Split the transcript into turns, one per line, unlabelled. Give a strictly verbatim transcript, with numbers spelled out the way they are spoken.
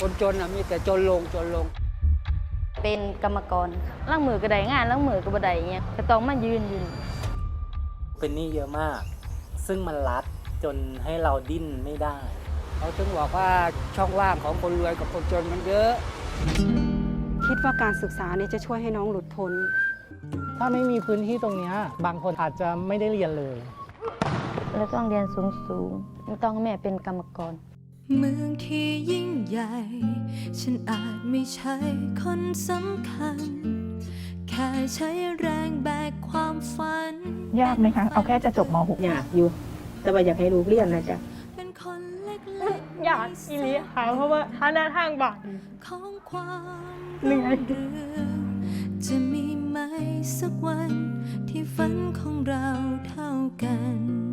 คนจนมีแต่จนลงจนลง
เป็นกรรมกรล้างมือก็ได้งานล้างมือก็บ่ได้เงี้ยก็ต้องมายืนยืน
เป็นหนี้เยอะมากซึ่งมันรัดจนให้เราดิ้นไม่ได้
เขาถึงบอกว่าช่องว่างของคนรวยกับคนจนมันเยอะ
คิดว่าการศึกษานี่จะช่วยให้น้องหลุดพ้น
ถ้าไม่มีพื้นที่ตรงนี้บางคนอาจจะไม่ได้เรียนเลย
แล้วต้องเรียนสูงสูงต้องแม่เป็นกรรมกร
เมืองที่ยิ่งใหญ่ฉันอาจไม่ใช่คนสำคัญแค่ใช้แรงแบกความฝัน
ยากไหมคะเอาแค่จะจบม หก
อยากอยู่แต่ว่าอยากให้ลูกเรียนนะจ๊ะ
เป็นคนเล็กๆ
อยากอีหลีค่ะเพราะว่าถ้าหน้าทางบาด
ของความ
เหนื่อย
จะมีไหมสักวันที่ฝันของเราเท่ากัน